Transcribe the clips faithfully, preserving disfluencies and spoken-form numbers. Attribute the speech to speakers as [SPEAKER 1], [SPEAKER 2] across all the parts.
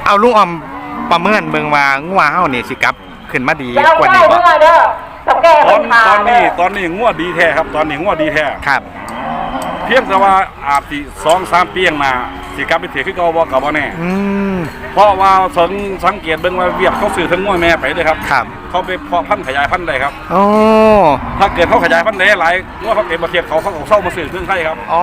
[SPEAKER 1] เอาลุงออมประเมินเบิ่งว่างัวเฮานี่สิกลับขึ้นมาดีกว่านี้บ่
[SPEAKER 2] ตอนตอนนี้ตอนนี้งัวดีแท้ครับตอนนี้งัวดีแท้
[SPEAKER 1] ครับ
[SPEAKER 2] เพียงแต่ว่าอาจสิสองสามปีข้างหน้าสิกลับไปเถียคือเก่าบ่ก็บ่แน่
[SPEAKER 1] อืม
[SPEAKER 2] เพราะว่าสังสังเกตเบิ่งว่าเวียดเขาซื้อทั้งงัวแม่ไปเลยครับ
[SPEAKER 1] ครับ
[SPEAKER 2] เขาไปเพาะพันธุ์ขยายพันธุ์ได้ครับ
[SPEAKER 1] โอ้
[SPEAKER 2] ถ้าเกิดเขาขยายพันธุ์ได้หลายงัวเขาเก็บประเทศเขาเขาเศร้ามาซื้อเพิ่งไทยครับ
[SPEAKER 1] อ๋อ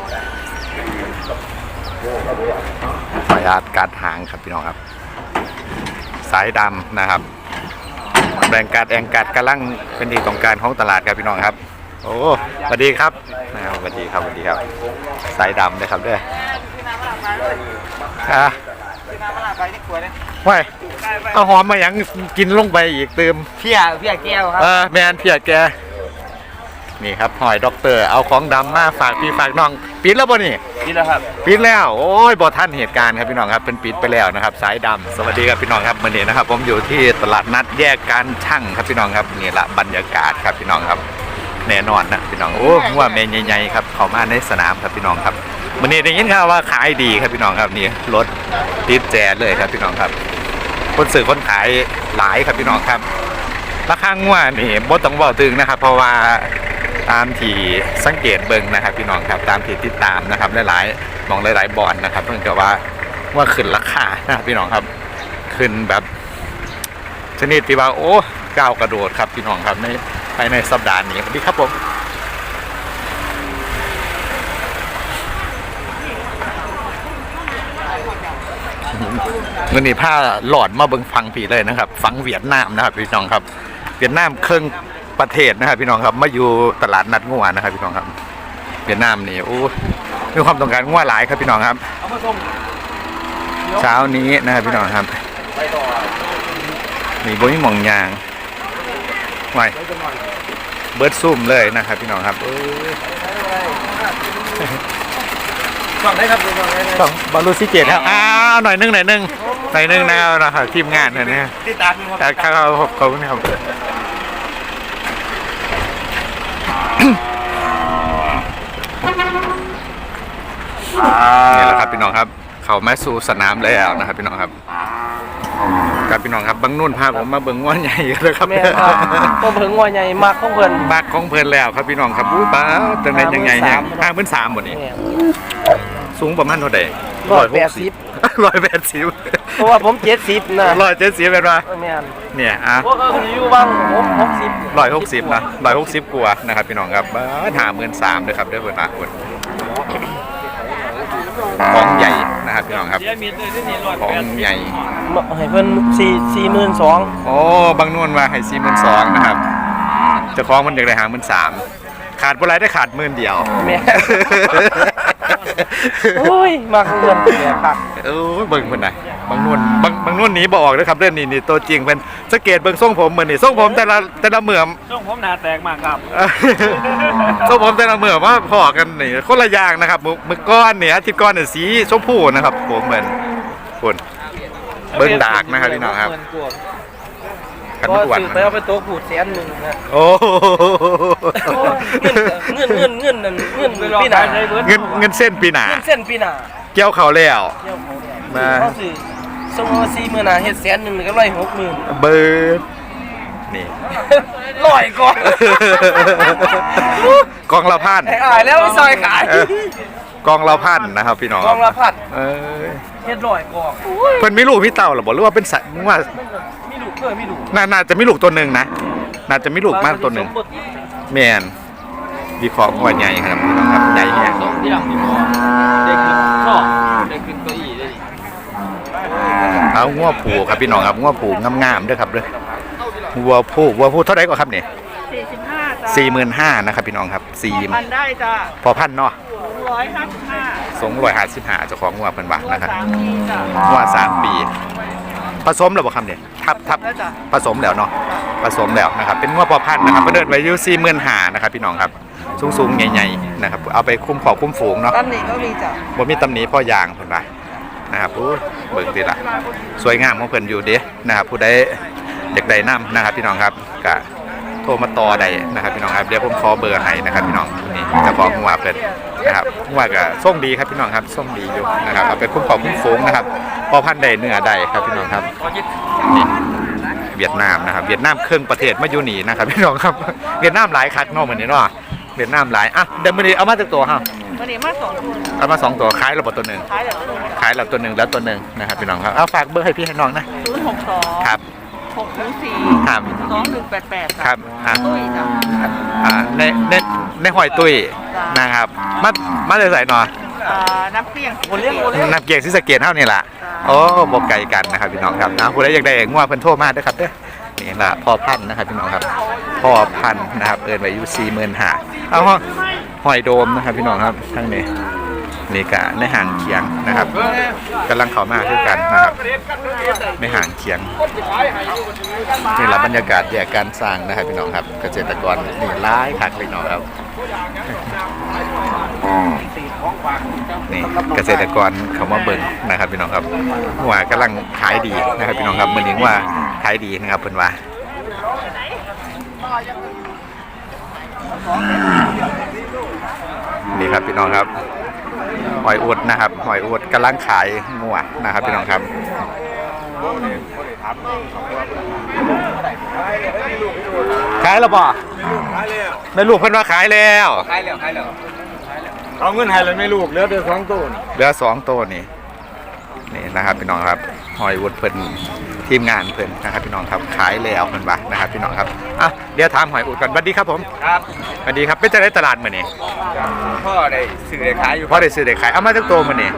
[SPEAKER 1] ขออนุญาตการหางครับพี่น้องครับสายดำนะครับแบ่งการแองการกำลังเป็นที่ต้องการของตลาดครับพี่น้องครับโอ้สวัสดีครับสวัสดีครับสวัสดีครับสายดำนะครับด้วยอ่ะว้ายเอาหอมมาอย่างกินลงไปอีกเติม
[SPEAKER 3] เพียเพียแก้วครับ
[SPEAKER 1] เออแมนเพียแกนี่ครับหอยด็อกเตอร์เอาของดำมาฝากพี่ฝากน้องปิดแล้วบ่นี่
[SPEAKER 3] ปิดแล้วครับ
[SPEAKER 1] ปิดแล้วโอ้ยบ่ทันเหตุการณ์ครับพี่น้องครับเป็นปิดไปแล้วนะครับสายดำสวัสดีครับพี่น้องครับวันนี้นะครับผมอยู่ที่ตลาดนัดแยกการช่างครับพี่น้องครับนี่ละบรรยากาศครับพี่น้องครับแน่นอนนะพี่น้องโอ้ว่าเมย์ใหญ่ๆครับเข้ามาในสนามครับพี่น้องครับวันนี้ได้ยินข่าวว่าขายดีครับพี่น้องครับนี่รถติดแจเลยครับพี่น้องครับคนซื้อคนขายหลายครับพี่น้องครับราคางัวนี่บ่ต้องบอกตึงนะครับเพราะว่าตามที่สังเกตเบิ่งนะครับพี่น้องครับตามที่ติดตามนะครับหลายๆมองหลายๆบอลนะครับเพิ่งจะว่าว่าขึ้นราคานะครับพี่น้องครับขึ้นแบบชนิดที่ว่าโอ้ก้าวกระโดดครับพี่น้องครับในภายในสัปดาห์นี้สวัสดีครับผมเงินนี่ผ้าหลอดมาเบิ่งฟังผีเลยนะครับฟังเวียดนามนะครับพี่น้องครับเวียดนามเครื่องประเทศนะครับพี่น้องครับมาอยู่ตลาดนัดงัวนะครับพี่น้องครับเวียดนามนี่โอ้มีความต้องการงัวหลายครับพี่น้องครับเช้านี้นะครับพี่น้องครับมีบ่มีหม่องยางไว้เบิร์ดซุ่มเลยนะครับพี่น้องครับ
[SPEAKER 3] ฟังได้ครับ
[SPEAKER 1] ฟังบอลลูซิเกตครับอ้าวหน่อยนึงหน่อยนึงหน่อยนึงนะครับทีมงานเนี่ยนะ
[SPEAKER 3] ติดตาม
[SPEAKER 1] ครับเขาเขาเนี่ยครับนี่แหละครับพี่น้องครับเขาแม่สู่สนามแล้วนะครับพี่น้องครับครับพี่น้องครับบางนุ่นพาผมมาเบิ่งงัวใหญ่เลยครับ
[SPEAKER 3] แม่ครับผมเบิ่งงัวใหญ่มากของเพิ่น
[SPEAKER 1] มากของเพิ่นแล้วครับพี่น้องครับอุ้ยป้าจังได๋ยังไงเนี่ยห้าหมื่นสามหมดนี่สูงประมาณเท่าใด
[SPEAKER 3] ร้อยแปดสิบ
[SPEAKER 1] ร้อยแปดสิบ
[SPEAKER 3] เพราะว่าผมเจ็ดสิบนะ
[SPEAKER 1] ร้อยเจ็ดสิบเป็นว่าเนี่ยอ่ะ
[SPEAKER 3] พวกเขาอยู่บ้างผมหกสิบ
[SPEAKER 1] ร้อยหกสิบนะร้อยหกสิบกว่านะครับพี่น้องครับห้าหมื่นสามเลยครับด้วยเพิ่นนะคนของใหญ่นะครับพี่น้องครับของใหญ่
[SPEAKER 3] ให้เพิ่นสี่สี่หมื่นสอง
[SPEAKER 1] โอ้บางนวลว่าให้สี่หมื่นสองนะครับเจ้าของมันอยากได้ห้าหมื่นสามขาดบ่ไรได้ขาดหมื่นเดียว
[SPEAKER 3] แม่โอ้ยมากเงินเนี่ยครับ
[SPEAKER 1] เออเบิ่งเพิ่นน่ะบางนวลบางบางนวลหนีบ่ออกนะครับเรื่องนี้นี่ตัวจริงเพิ่นสังเกตเบิ่งทรงผมเหมือนนี่ทรงผมแต่ละแต่ละเหมือม
[SPEAKER 3] ทรงผมหน้าแตกมากครับ
[SPEAKER 1] ทรงผมแต่ละเหมือมว่าพอกันนี่คนละอย่างนะครับมือก้อนเนี่ยอาทิตย์ก้อนเนี่ยสีชมพูนะครับผมเหมือนคนเบิ่งดากนะครับพี่น้องครับ
[SPEAKER 3] กันอ้วนไปเอาไปโต๊ะผูดแสนหนึ่งนะ
[SPEAKER 1] โอ้
[SPEAKER 3] เงินเงินเงินเงินเงินปีหน้า
[SPEAKER 1] เงินเงินเส้นปีหน้า
[SPEAKER 3] เส้นปีหน้า
[SPEAKER 1] เกี่ยวเขาแล้ว
[SPEAKER 3] มาสมมติสี่หมื่นหาเฮ็ดแสนหนึ่งก็ร้อยหกหมื่น
[SPEAKER 1] เบิร์ดนี่
[SPEAKER 3] ร้อยก่อน
[SPEAKER 1] กองละพัน
[SPEAKER 3] ขายแล้วไม่ซอยขาย
[SPEAKER 1] กองละพันนะครับพี่น้อง
[SPEAKER 3] กองละพัน
[SPEAKER 1] เออ
[SPEAKER 3] เฮ็ดร้อยกอง
[SPEAKER 1] เพิ่นมีลูกพี่เต่าหรอบอกหรือว่าเป็นสัตว์ว่า
[SPEAKER 3] มีลูกเพื่อมีลูก
[SPEAKER 1] น่าจะมีลูกตัวหนึ่งนะน่าจะมีลูกมากตัวหนึ่งแมนวิเคราะห์ว่าใหญ่ครับพี่น้องครับใหญ่เนี่ย
[SPEAKER 3] ได้ขึ้นข้อได้ขึ้นเก้าอี้ได้
[SPEAKER 1] เอางัวผูครับพี่น้องครับงัวผูงามๆด้วยครับเลยวัวผูวัวผูเท่าไหร่ก็ครับเนี่ย
[SPEAKER 4] สี่สิบห้าจ้า
[SPEAKER 1] สี่หมื่นห้านะครับพี่น้องครับสี่
[SPEAKER 4] พันได้จ้า
[SPEAKER 1] พอพันเนาะ
[SPEAKER 4] ร้อยห้าสิบห้า
[SPEAKER 1] สองร้อยห้าสิบห้าเจ้าของงัวเพิ่นว่านะครับ
[SPEAKER 4] งั
[SPEAKER 1] วสามปีผสมแล้วบ่ครับเนี่ยทับทับผสมแล้วเนาะผสมแล้วนะครับเป็นงัวพอพันนะครับเพิ่นเดินไว้อยู่สี่หมื่นห้านะครับพี่น้องครับสูงๆใหญ่ๆนะครับเอาไปคุ้มขอคุ้มฝูงเนาะ
[SPEAKER 4] ตำหนิก็มีจ้ะ
[SPEAKER 1] บ่มีตำหนิพ่อยางเพิ่นว่านะครับอู้เบิ่งดิล่ะสวยงามของเพิ่นอยู่เด้นะครับผู้ใดอยากได้น้ำนะครับพี่น้องครับก็โทรมาต่อได้นะครับพี่น้องครับเดี๋ยวผมขอเบอร์ให้นะครับพี่น้องนี่เจะของหัวเพิ่นนะครับหัวก็ส่งดีครับพี่น้องครับส่งดีอยู่นะครับเอาไปคุ้มครองคุ้มฝูงนะครับพอพันธุ์ใดเนื้อใดครับพี่น้องครับนี่เวียดนามนะครับเวียดนามเครื่องประเทศมาอยู่นี่นะครับพี่น้องครับเวียดนามหลายคักเนาะเหมือนนี้เนาะเวียดนามหลายอ่ะเดี๋ยวมื้อนี้เอามาจากตัวฮะ
[SPEAKER 4] วันนี้มาสองตัว
[SPEAKER 1] เอามาสองตัวขายระบบตัวหนึ่ง
[SPEAKER 4] ขายแบบตัวหนึ่ง
[SPEAKER 1] ขายระบบตัวหนึ่งแล้วตัวหนึ่งนะครับพี่น้องครับเอาฝากเบอร์ให้พี่ให้น้องนะ
[SPEAKER 4] ศูนย์หกสอง
[SPEAKER 1] ครับ
[SPEAKER 4] หกหนึ่งสี่
[SPEAKER 1] ครับ
[SPEAKER 4] สองหนึ่งแปดแปด
[SPEAKER 1] ครับอ่ะ
[SPEAKER 4] ตุ้ยจ้ะ
[SPEAKER 1] อ่าในในในหอยตุ้ยนะครับมามาเลยใส่หน่อย
[SPEAKER 4] อ่าน้ำเปรี้ยงโอเลี้ยงโอเลี้ยง
[SPEAKER 1] นับเกียรติศรีสะเกษเท่านี่แหละโอ้บอกไกลกันนะครับพี่น้องครับนะผู้ใดอยากได้งัวเพิ่นโทรมาเด้อครับเด้อนี่ละพ่อพันธุ์นะครับพี่น้องครับพ่อพันธุ์นะครับเอิ้นไว้อยู่สี่หมื่นห้าเอาห้องหอยโดมนะครับพี่น้องครับทั้งนี้นี่กะในห่างเคียงนะครับกำลังเข้ามาคือกันนะครับในห่างเคียงนี่ละบรรยากาศแยกการสร้างนะครับพี่น้องครับเกษตรกรนี่ร้ายคักเลยน้องครับนี่เกษตรกรเขามาเบิ่งนะครับพี่น้องครับว่ากำลังขายดีนะครับพี่น้องครับมื้อนี้ว่าขายดีนะครับเพิ่นว่านี่ครับพี่น้องครับหอยอวดนะครับหอยอวดกำลังขายงัวนะครับพี่น้องครับขายแล้วป่ะแม่ลูกเพิ่นว่าขายแล้ว
[SPEAKER 3] ขายแล้วขายแล้ว
[SPEAKER 2] เอาเงินให้เลยไม่ลูกเหลือแต่สองตัว
[SPEAKER 1] เหลือสองตัวนี่นี่นะครับพี่น้องครับหอยวุดเพิ่นทีมงานเพิ่นนะครับพี่น้องครับขายแล้วเพิ่นว่านะครับพี่น้องครับอ่ะเดี๋ยวถามหอยอุดก่อนสวัสดีครับผม
[SPEAKER 3] ครับ
[SPEAKER 1] สวัสดีครับเป็นจะได้ตลาดมื้อนี้
[SPEAKER 3] พ่อได้ซื้อได้ขายอยู่
[SPEAKER 1] พอได้ซื้อได้ขายเอามาจากตัวมื้อนี้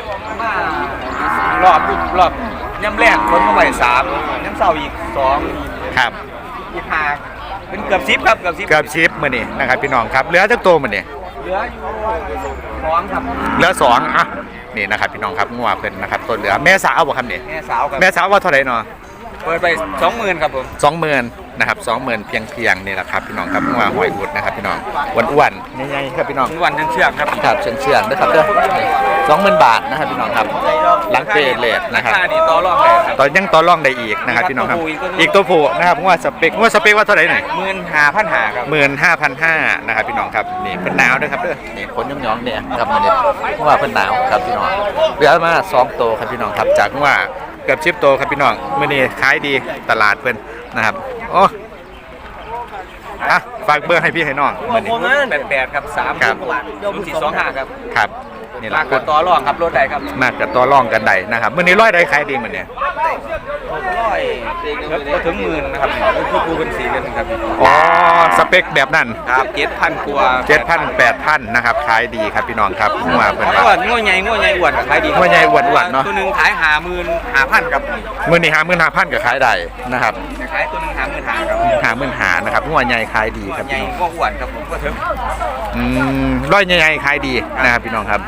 [SPEAKER 3] รอบรอบย่ำแรกคนมาไว้สามย่ำเสาอีกสอง
[SPEAKER 1] ครับ
[SPEAKER 3] อีกห้าเป็นเกือบสิบครับเกือบสิบ
[SPEAKER 1] เกือบชิปมื้อนี้นะครับพี่น้องครับเหลือจากตัวมื้อนี้
[SPEAKER 3] เหลืออยู่สองครับ
[SPEAKER 1] เหลือสองอ่ะนี่นะครับพี่น้องครับงัวเพิ่นนะครับตัวเหลือแม่สาวบ่ครับนี่
[SPEAKER 3] แม่สาวครับ
[SPEAKER 1] แม่สาวว่าเท่าไหร่เนาะ
[SPEAKER 3] เปิดไปสองหมื่นครับผม
[SPEAKER 1] สองหมื่นนะครับสองหมื่นเพียงเพียงนี่แหละครับพี่น้องครับงัวหอยอุดนะครับพี่น้องอ้วนๆใหญ่ๆครับพี่น้อง
[SPEAKER 3] วันเชื่องครับ
[SPEAKER 1] ครับเชื่องเชื่องนะครับเด้อสองหมื่นบาทนะครับพี่น้องครับหลังเปรตเลทนะครับ
[SPEAKER 3] ค่านี่ต่อรองได้ครับ
[SPEAKER 1] ตอนยังต่อรองได้อีกนะครับพี่น้องครับ
[SPEAKER 3] อี
[SPEAKER 1] อีก
[SPEAKER 3] กตั
[SPEAKER 1] ตัว
[SPEAKER 3] วผู้
[SPEAKER 1] ผู้นะครับว่าสเปคว่าสเปคว่าเท่าไหร่หน่อย
[SPEAKER 3] หมื่นห้าพันห้าครับ
[SPEAKER 1] หมื่นห้าพันห้านะครับพี่น้องครับนี่เป็นหนาวด้วยครับเด้อนี่ขนย่องๆเนี่ยครับมันเนี่ยว่าเป็นหนาวครับพี่น้องเหลือมาสองตัวครับพี่น้องครับจากว่าเกือบชิปโตครับพี่น้องมื้อนี้ขายดีตลาดเพิ่นนะครับโอ้อ่ะฝากเบอร์ให้พี่ให้น้องมื้อนี้
[SPEAKER 3] แปดแปดครับสาม
[SPEAKER 1] ครับ
[SPEAKER 3] บาทศูนย์สี่สองห้าครับ
[SPEAKER 1] ครับนี่แห
[SPEAKER 3] รา
[SPEAKER 1] ละ
[SPEAKER 3] คาต่อรองครับรถใดครับ
[SPEAKER 1] มากกับตัวร่องกันใดนะครับมื้อนี้ร้อยใดขายดีมื้อนี้
[SPEAKER 3] ร้อยก็ถึงหมื่นนะครับคือคูเป็นสีกันครับ
[SPEAKER 1] อ๋อสเปคแบบนั้น
[SPEAKER 3] ครับเจ็ดพันกว่า
[SPEAKER 1] เจ็ดพันแปดพันนะครับขายดีครับพี่น้องครับงัวเพิ่น
[SPEAKER 3] ง้
[SPEAKER 1] ว่า
[SPEAKER 3] อง้อใหญ่ง้อใหญ่อ้วนขายดี
[SPEAKER 1] ง้อใหญ่อ้วนๆเนาะ
[SPEAKER 3] ตัวหนึ่งขายหาหมื่นหาพันครับ
[SPEAKER 1] มื้อนี้หาหมื่นห้าพันก็ขายได้นะครับ
[SPEAKER 3] ขายตัวหนึ่งหาหมื่นหาครับ
[SPEAKER 1] หาหมื่นหานะครับงัวใหญ่ขายดีครับ
[SPEAKER 3] ใหญ่
[SPEAKER 1] พี่น้อง
[SPEAKER 3] ง้ออ้วนครับผมก็ถึง
[SPEAKER 1] อืมร้อยใหญ่ๆขายดีนะครับพี่น้องครับ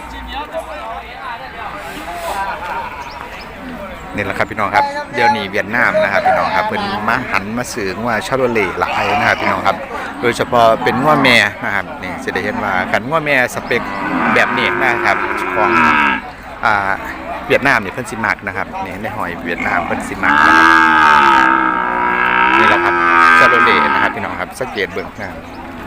[SPEAKER 1] นี่แหละครับพี่น้องครับเดี๋ยวนี้เวียดนามนะครับพี่น้องครับเป็นมาหันมาซื้องัวชาโรเล่หลายนะครับพี่น้องครับโดยเฉพาะเป็นงัวแม่นะครับนี่จะได้เห็นว่ากันงัวแม่สเปคแบบนี้นะครับของอ่าเวียดนามเนี่ยเพิ่นสิมักนะครับนี่ในหอยเวียดนามเพิ่นสิมักนะครับนี่แหละครับชาโรเล่นะครับพี่น้องครับสังเกตเบิ่งนะครับ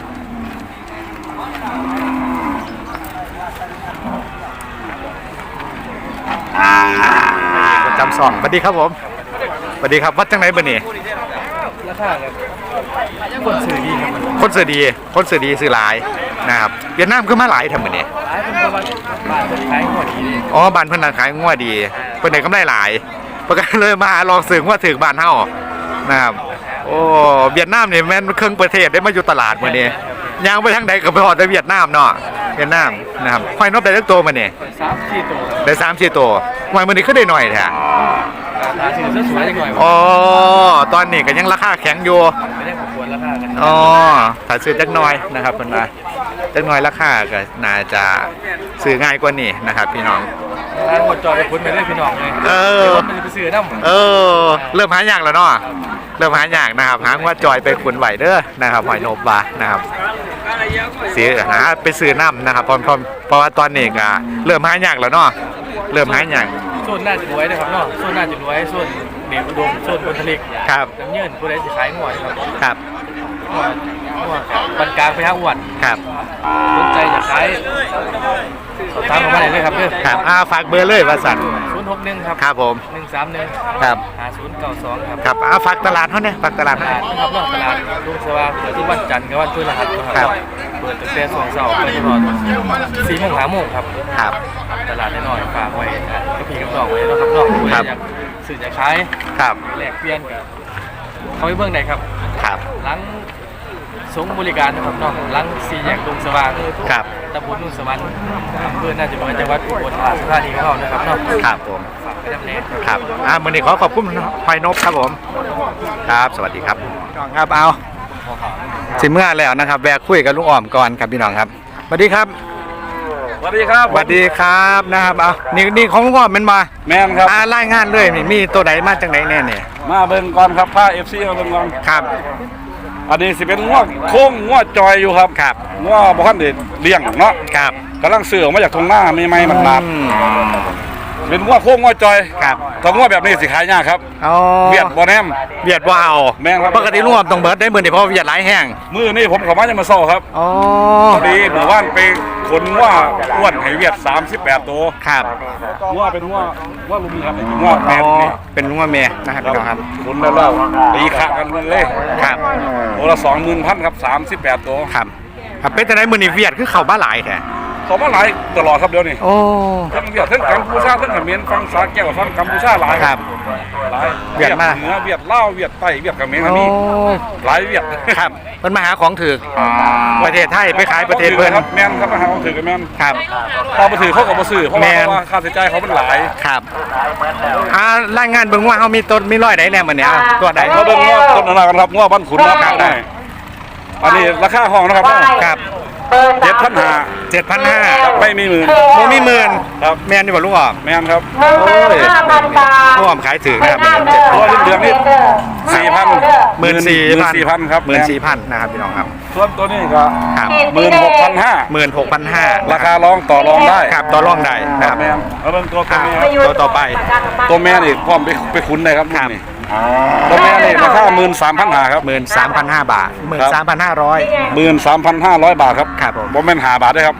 [SPEAKER 1] ประจำซองสวัสดีครับผมสวัสดีครับวัดจังไหนบ่นี่
[SPEAKER 3] ราคาครับคนซื้อดีครับ
[SPEAKER 1] คนสื่อดีคนสื่อดีสื่อหลายนะครับเวียดนามคือมาหลายทำมื้อนี้
[SPEAKER 3] ขายเป็นประมาณบาทเป็นขายหัวดี
[SPEAKER 1] อ๋อบ้านเพิ่นน่ะขายงัวดีเพิ่นได้กำไรหลายเพิ่นก็เลยมาลองซื้องัวถึงบ้านเฮานะครับโอ้เวียดนามนี่แม่นครึ่งประเทศได้มาอยู่ตลาดมื้อนี้ย่างไปทางใดก็ไปฮอดแต่เวียดนามเนาะเวียดนามนะครับห้อยนบได้จักตัวมื้อนี้
[SPEAKER 3] สามสี่ตัว
[SPEAKER 1] ได้สามสี่ตัวห้อยมื้อนี้คือได้หน่อยแท้
[SPEAKER 3] ราคาถือสวยๆหน่อย
[SPEAKER 1] อ๋อตอนนี้ก็ยังราคาแข็งอยู่
[SPEAKER 3] ไม่ได้ควรราคากัน
[SPEAKER 1] อ๋อถ้าซื้อจักหน่อยนะครับเพิ่นว่าจักหน่อยราคาก็น่าจะซื้อง่ายกว่านี้นะครับพี่น้อง
[SPEAKER 3] ร้านหมดจอไปคุ้นไปได้พี่น้องเลย
[SPEAKER 1] เออ
[SPEAKER 3] มันจะไปซื้อน้ำ
[SPEAKER 1] เออเริ่มหายากแล้วเนาะเริ่มหายากนะครับหางว่าจอยไปขุนไหวเด้อนะครับหอยโนบานะครับซื้อหาไปซื้อน้ำนะครับเพราะเพราะเพราะว่าตอนนี้ก็เริ่มหายากแล้วเนาะเริ่มหายาก
[SPEAKER 3] โซนน่าจะรวยนะครับเนาะโซนน่าจะรวยโซนเหนียวอุดมโซนบนทะเล
[SPEAKER 1] ครับ
[SPEAKER 3] น้ำเยินผู้ใดจะขายหัวครับ
[SPEAKER 1] ครับ
[SPEAKER 3] บรรกลางไปห้าอ้วน
[SPEAKER 1] ครับ
[SPEAKER 3] สนใจอยากขายสอบถามผมมาได้เลยครับเพื่อน
[SPEAKER 1] ครับอ่าฝากเบอร์เลยว่าสัน
[SPEAKER 3] ศูนย์หกหนึ่งครับ
[SPEAKER 1] ครับผม
[SPEAKER 3] หนึ่งสามหนึ่ง
[SPEAKER 1] ครับ
[SPEAKER 3] หาศูนย์เก้าสองครับ
[SPEAKER 1] ครับอ่าฝากตลาดเขาเนี่ยฝากตลาด
[SPEAKER 3] ต
[SPEAKER 1] เขา
[SPEAKER 3] ลาดนะครับนอกตลาดลุงสว่างเปิดทุกวันจันทร์กับวันพฤหัสนะค
[SPEAKER 1] ครั
[SPEAKER 3] รับ บเปิดตั้งแต่สองเสาร์ไปจนถึงสี่โมงห้าโมงครับ
[SPEAKER 1] ครับ
[SPEAKER 3] ตลาดน้อยๆฝากไว้ก็พี่กับน้องไว้นะครับน้องผู้ใดอยากสื่ออยากขาย
[SPEAKER 1] ครับ
[SPEAKER 3] แลกเปลี่ยนกับเขาไปเบื้องใดครับ
[SPEAKER 1] ครับ
[SPEAKER 3] หลังสงบริการนะครับน้องหลังสี่แยกลุงสว่าง
[SPEAKER 1] ครับ
[SPEAKER 3] ตำบลนุ่นสวรรค์อำเภอน่าจะเป็นจังหวัดอุบลราชธานีของเรานะครับเนาะ
[SPEAKER 1] ครับผม
[SPEAKER 3] ฝากไปดำเนิน
[SPEAKER 1] ครับอ่ามื่อนี้ขอขอบคุณพลอยนพครับผม ครับ สวัสดีครับพี่น้องครับ เอาสิเมื่อแล้วนะครับ แวะคุยกับลุงอ้อมก่อนครับพี่น้องครับ สวัสดีครับ
[SPEAKER 2] สวัสดีครับ
[SPEAKER 1] สวัสดีครับนะครับ เอานี่นี่ของลุงอ้อมเป็นมา
[SPEAKER 2] แมนครับ
[SPEAKER 1] อ่ารายงานเลยนี่มีตัวใดมาจากไหนแน่เนี่ย
[SPEAKER 2] มาเบิ่งก่อนครับผ้า เอฟ ซี มาเบิ่งก่อน
[SPEAKER 1] ครับ
[SPEAKER 2] อันนี้สิเป็นงวดโค้งงวดจอยอยู่ครับ
[SPEAKER 1] ครับ
[SPEAKER 2] งวดบ่ทันได้เลี้ยงเนาะ
[SPEAKER 1] ครับ
[SPEAKER 2] กำลังซื้อออกมาจากทงหน้าใหม่ๆมันลาด
[SPEAKER 1] อืม
[SPEAKER 2] เป็นงวดโค้งงวดจอย
[SPEAKER 1] ครับ
[SPEAKER 2] ถ้างวดแบบนี้สิขายยากครับ
[SPEAKER 1] อ๋อ
[SPEAKER 2] เวียดบ่แนม
[SPEAKER 1] เวียดว้าว
[SPEAKER 2] แม่นครับ
[SPEAKER 1] ปกติลุงอ้อมต้องเบิร์ดได้หมื่นเดียวเพราะเวียดหลายแห้ง
[SPEAKER 2] มื้อนี้ผมเข้ามาจะมาเช้าครับ
[SPEAKER 1] อ๋อ
[SPEAKER 2] พอดีหมู่บ้านไปขนว่าอ้วนให้เวียดสามสิบแปดตัว
[SPEAKER 1] ครับ
[SPEAKER 2] ว่าเป็นว่าว่าลุงครับเป็นว่าแม
[SPEAKER 1] อ๋อน
[SPEAKER 2] นี่
[SPEAKER 1] เป็นลุงว่าเมียนะครับพี่น้องครับ
[SPEAKER 2] ขนแล้วแล้วตีขากันเลย
[SPEAKER 1] ครับ
[SPEAKER 2] ตัวละสองหมื่นพันครับสามสิบแปดตัว
[SPEAKER 1] ครับครับเป็นแต่ไหนมือนี่เวียดคือเข้าบ้าหลายแท้
[SPEAKER 2] เขามาหลายตลอดครับเดี๋ยวนี้
[SPEAKER 1] โอ้
[SPEAKER 2] ทั้งเวียดทั้งกัมพูชาทั้งเขมรฟังสาแก้วฟังกัมพูชาหลาย
[SPEAKER 1] ครับ
[SPEAKER 2] หลาย
[SPEAKER 1] เวียดมาก
[SPEAKER 2] เหนือเวียดลาวเวียดใต้เวียดเขมรก็
[SPEAKER 1] โอ้
[SPEAKER 2] มีหลายเวียด
[SPEAKER 1] ครับเป็นมาหาของถือประเทศไทยไปขายประเทศเพื่อน
[SPEAKER 2] ครับแม่นครับมาหาของถือกันแม่น
[SPEAKER 1] ครับ
[SPEAKER 2] พอมาถือเขาก็มาซื้อเพราะ
[SPEAKER 1] แม่
[SPEAKER 2] ว่าน เพราะว่าค่าใช้จ่ายเขามันหลาย
[SPEAKER 1] ครับอ่ารายงานเบิ่งว่าเขามีต้นมีร้อยใดแน่มื้อนี้เอาตัวใด
[SPEAKER 2] มาเบิ่งง้อต้นนากันครับง้อบ้านขุนครับ
[SPEAKER 1] ครับ
[SPEAKER 2] ได้อันนี้ราคาห้องนะครับ
[SPEAKER 1] ครับ
[SPEAKER 2] เจ็ดพันห้า
[SPEAKER 1] เจ็ดพันห้า
[SPEAKER 2] ไม่มีหมื่น
[SPEAKER 1] โมมีหมื่น
[SPEAKER 2] ครับ
[SPEAKER 1] แม่นดีกว่าลุงอ้อม
[SPEAKER 2] แม่นครับ
[SPEAKER 1] โอ้ยลุงอ้อมขายถือนะครับ
[SPEAKER 2] ตัวเดือนนี้สี่พัน
[SPEAKER 1] หมื่นสี่พัน
[SPEAKER 2] สี่พันครับ
[SPEAKER 1] หมื่นสี่พันนะครับพี่น้องครับ
[SPEAKER 2] ส่วนตัวนี้ก็
[SPEAKER 1] ครับ
[SPEAKER 2] หมื่นหกพันห้า
[SPEAKER 1] หมื่นหกพันห้า
[SPEAKER 2] ราคาร้องต่อรองได้
[SPEAKER 1] ครับต่อรองได้นะครับ
[SPEAKER 2] แม่นเอาเบิ่งตัวตัว
[SPEAKER 1] อ่า
[SPEAKER 2] นี้ครับ
[SPEAKER 1] ตัวต่อไป
[SPEAKER 2] ตัวแม่นี่พร้อมไปไปคุ้นได้ครับ
[SPEAKER 1] ครับ
[SPEAKER 2] นี่ตัวแม่นี่ราคาหมื่นสามพันห้าครับ
[SPEAKER 1] หมื่นสามพันห้าบาทหมื่นสามพันห้าร้อย
[SPEAKER 2] หมื่นสามพันห้าร้อยบาทครับ
[SPEAKER 1] ครับผม
[SPEAKER 2] บ่แม่นหาบาทด้วยครับ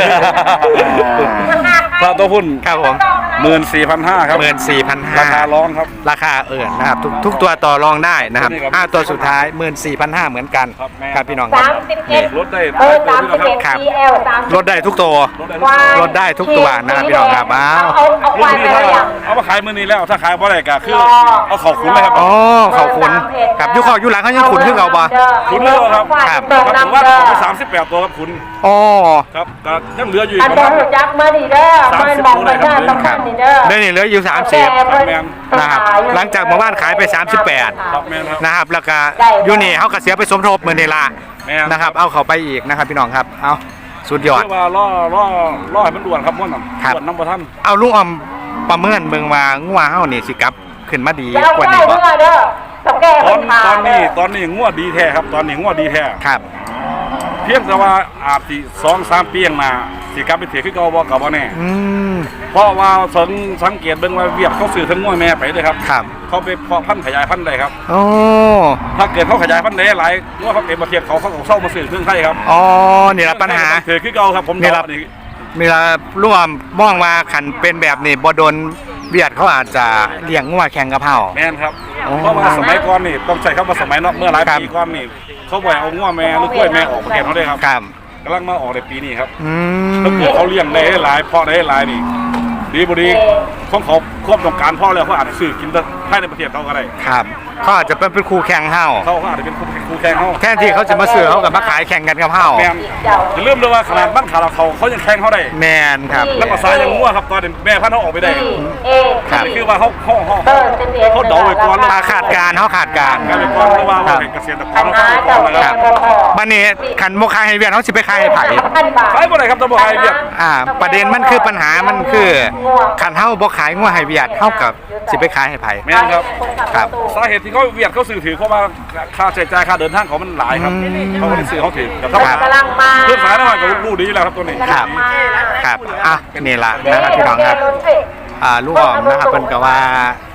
[SPEAKER 2] ถ้าตัวหุ้น
[SPEAKER 1] ครับผม
[SPEAKER 2] หมื่นสี่พันห้าครับ
[SPEAKER 1] หมื่นสี่พันห้า
[SPEAKER 2] ราคาร้องครับ
[SPEAKER 1] ราคาเอิญนะครับทุกทุกตัวต่อรองได้นะครับ
[SPEAKER 2] นี่ครับ
[SPEAKER 1] ห้าตัวสุดท้ายหมื่นสี่พันห้าเหมือนกัน
[SPEAKER 2] ครับแม่
[SPEAKER 1] ครับพี่น้องครับ
[SPEAKER 5] สามสิบเอ็ด
[SPEAKER 2] ลดได้
[SPEAKER 5] เบอร์สามสิบเอ็ด
[SPEAKER 1] ครับ
[SPEAKER 5] ซีแอลสามสิบ
[SPEAKER 1] ลดได้ทุกตัว
[SPEAKER 2] ลดได้
[SPEAKER 1] ลดได้ทุกตัวนะครับพี่น้องครับอ้าว
[SPEAKER 5] เอาเอาควาย
[SPEAKER 2] รุ่น
[SPEAKER 5] ไป
[SPEAKER 2] นี้
[SPEAKER 5] แล้
[SPEAKER 2] ถ้าว
[SPEAKER 5] ยัง
[SPEAKER 2] เอามาขายมื้อนี้แล้วถ้าขายบ่ได้ก็คือเอาเข้าขุนเลยครับ
[SPEAKER 1] อ๋อเขาขุนครับอยุคอยุหลังเขายังขุนขึ้นเราบ่
[SPEAKER 2] ขุนเลยครับ
[SPEAKER 1] ครับ
[SPEAKER 5] เติม
[SPEAKER 2] ครับผม
[SPEAKER 5] น้ำ
[SPEAKER 2] ว่า
[SPEAKER 5] เด้อ
[SPEAKER 2] เอาไปสามสิบแปดตัวครับขุน
[SPEAKER 1] อ๋อ
[SPEAKER 2] ครับก็ยังเหลืออยู่อี
[SPEAKER 5] อั
[SPEAKER 2] ก
[SPEAKER 5] น
[SPEAKER 2] ประ
[SPEAKER 5] บอ
[SPEAKER 2] มาณ
[SPEAKER 5] ลจักมาดีเด้อ
[SPEAKER 2] สาม
[SPEAKER 5] เพิ่
[SPEAKER 2] สิ
[SPEAKER 5] น
[SPEAKER 2] บ
[SPEAKER 5] บอก
[SPEAKER 2] ตัว
[SPEAKER 5] ไป
[SPEAKER 2] เลยครับ
[SPEAKER 5] เด้อต้องการนี่เด้อ
[SPEAKER 1] เดี๋ยวนี้เหลืออยู่สามสิบ
[SPEAKER 2] แม่น
[SPEAKER 1] นะครับหลังจากเมื่อวานขายไปสามสิบแปด
[SPEAKER 2] ครับแม่นครับ
[SPEAKER 1] นะครับแล้วก็อยูนี่เขาก็เสียไปสมทบเหมือนเดลา
[SPEAKER 2] แม่น
[SPEAKER 1] นะครับเอาเขาไปอีกนะครับพี่น้องครับเอาสุดยอด
[SPEAKER 2] เรียกว่าล่อล่อล่อให้มันด่วนครับม่วนน่ะ
[SPEAKER 1] ครับ
[SPEAKER 2] ด่วนน้ำบ่ทัน
[SPEAKER 1] เอาลุงออมประเมินเบิ่งว่างัวเฮานี่สิกลับขึ้นมาดี
[SPEAKER 5] จะเอา
[SPEAKER 1] กว่า
[SPEAKER 5] ได้
[SPEAKER 1] นี้บ่
[SPEAKER 5] เด้อเด้อต้องแก้
[SPEAKER 2] ต
[SPEAKER 5] ปั
[SPEAKER 2] อน
[SPEAKER 5] ญหา
[SPEAKER 2] ตอนนี้ตอนนี้งวดดีแท้ครับ ตอนนี้งวดดีแท้
[SPEAKER 1] ครับ
[SPEAKER 2] เพียงแต่ว่าอาจสิสองสามปีข้างหน้าสิกลับไปเถียคือเก่าบ่ก็บ่แน่
[SPEAKER 1] อืม
[SPEAKER 2] เพราะว่าสังสังเกตเบิ่งว่าเวียดเขาซื้อทั้งงวดแม่ไปเลยครับ
[SPEAKER 1] ครับ
[SPEAKER 2] เขาไปเพาะพันธุ์ขยายพันธุ์ได้ครับ
[SPEAKER 1] โอ้
[SPEAKER 2] ถ้าเกิดเขาขยายพันธุ์ได้หลายงวดเขาเต็มประเทศเขาเขาก็เศร้ามาซื้อเครื่องไทยครับ
[SPEAKER 1] อ๋อนี่ละปัญหา
[SPEAKER 2] เถียคือเก่าครับผม
[SPEAKER 1] นี่ล่ะ
[SPEAKER 2] นี่
[SPEAKER 1] มีละลุงออมมองว่าคันเป็นแบบนี้บ่โดนเวียดเขาอาจจะเลี้ยงงัวแข่งกับเฮา
[SPEAKER 2] แม่นครับ
[SPEAKER 1] อ๋อ
[SPEAKER 2] เพราะว่าสมัยก่อนนี่ต้องใช้คำว่าสมัยเนาะเมื่อหลาย
[SPEAKER 1] ครับ
[SPEAKER 2] ปีก่อนนี่เขาบ่อยเอางวดแม่หรือกล้วยแม่ออกประเทศเขาได้ครับ
[SPEAKER 1] ครับ
[SPEAKER 2] กำลังมาออกในปีนี้ครับ
[SPEAKER 1] อื
[SPEAKER 2] ถ้าม เกิดเขาเลี้ยงได้หลายเพาะได้หลายนี่ดีบ่ดีของเขาควบต้องการพ่อแล้วเขาอาจจะซื้อกินได้ภายในประเทศเขาก็ได้
[SPEAKER 1] ครับเขาอาจจะเป็นเป็นคู่แข่งเฮา
[SPEAKER 2] เขาก็อาจจะเป็นคู่คู่แข่งเขา
[SPEAKER 1] แทนที่เขาจะมาซื้อเขากับมาขายแข่งกันกับเฮา
[SPEAKER 2] แมนจะเริ่าลืมเลยว่าขนาดบ้านขาเราเขาเขายังแข่งเขาได้
[SPEAKER 1] แมนครับ
[SPEAKER 2] แล้วภาษายังงัวครับตอนนี้แม่พันธุ์เขาออกไปได้
[SPEAKER 5] เอ
[SPEAKER 1] ครับ
[SPEAKER 2] นี่คือว่าเขาเขาเขา
[SPEAKER 5] เบอร์สิบเอ็ด
[SPEAKER 2] เขาเดาไว้ก่อน
[SPEAKER 1] อาขาดการเขาขาดการ
[SPEAKER 2] การไปก่อนเพราะว่าว่าเป็นเกษตรกร
[SPEAKER 5] ปัญ
[SPEAKER 2] เขา
[SPEAKER 5] หา
[SPEAKER 2] เขา
[SPEAKER 5] เจ้า
[SPEAKER 2] ก่อนนะ
[SPEAKER 5] แก้
[SPEAKER 2] ครับ
[SPEAKER 5] บ่พอ
[SPEAKER 1] บันนี้ขันโมคายให้เวียนเขาสิไปขายให้ไผ่
[SPEAKER 5] พันบาท
[SPEAKER 2] ขายบ่ได้ครับตะบ่ให้เวียด
[SPEAKER 1] อ่า ประเด็นมันคือปัญหามันคือขันเฮาบ่ขายงัวให้เวียดเฮากับสิไปขายให้ไผ่
[SPEAKER 2] แม่นครับ
[SPEAKER 1] ครับ
[SPEAKER 2] สาเหตุที่เขาเวียดเขาซื้อถือเพราะว่าค่าใช้จ่ายค่าเดินทางเขามันหลายครับ
[SPEAKER 1] อืม
[SPEAKER 2] เขาก็เลยซื้อเขาถือกับเท่า
[SPEAKER 1] ครับ
[SPEAKER 5] กำลังมา
[SPEAKER 2] เพื่อนสายน้อยกับลูกดีแล้วครับตัวนี้
[SPEAKER 1] ครับ ครับอ่ะนี่ล่ะนะครับพี่น้องครับ อ่าลูกออมนะครับเพิ่นก็ว่า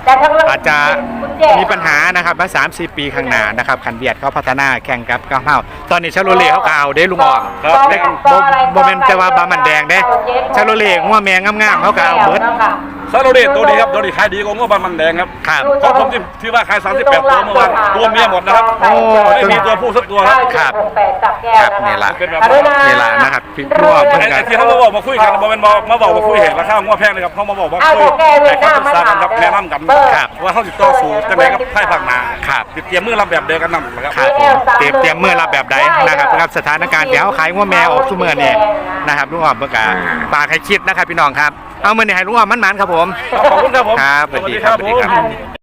[SPEAKER 5] แต่ทั้ง
[SPEAKER 1] อาจจะมีปัญหานะครับมาสามสี่ปีข้างหน้านะครับคันเบียดเขาพัฒนาแข่งกับก้าวเฮาตอนนี้ชาโลเล่เขาก็เอาเด้ลุงออก
[SPEAKER 2] ครับ
[SPEAKER 1] แต่บ่บ่แม่นจะว่าบามันแดงเด้ชาโลเล่งัวแมงงามๆเขาก็เอาเบิด
[SPEAKER 2] ซาโรเดตตัวนี้ครับตัวนี้ขายดีกว่าง้อบันมันแดงครับ
[SPEAKER 1] ครับ
[SPEAKER 2] เพราะผมที่ที่ว่าขายสามสิบแปดตัวเมื่อวานตัวเมียหมดนะครับ
[SPEAKER 1] โอ้
[SPEAKER 2] ไม่มีตัวผู้สักตัวครับ
[SPEAKER 1] ครับ
[SPEAKER 5] จับแก้ว
[SPEAKER 1] ครับนี่ล่ะ
[SPEAKER 2] เป็นแบบ
[SPEAKER 1] นี่ล่ะนะครับพี่รัวเพิ่น
[SPEAKER 2] ไอ้
[SPEAKER 1] ก็
[SPEAKER 2] ไอ้ที่เขามาบอกมาคุยกันมาเป็นบอกมาบอกมาคุยเหตุราคาง้อแพงเลยครับเขามาบอกว่าคุยแต่เขาศึกษากันครับแนะนำกันว่าเขาติดต่อสู่จังไรครับไพ่ผักหนา
[SPEAKER 1] ครับ
[SPEAKER 2] ติดเตรียมมือรับแบบเดียวกันนำนะครับ
[SPEAKER 1] ครับผมเตรียมเตรียมมือรับแบบใดนะครับครับสถานการณ์เดี๋ยวขายงัวแมวออกซุมื้อนี่นะครับลุงออมเพิ่นก็ฝากให้คิดนะครับพี่น้องครับเอามื้อนี้ให้ลุงออมมันๆครับผม
[SPEAKER 2] ขอบคุณครับผม
[SPEAKER 1] ครับสวัสดีครับสวัสดีครับ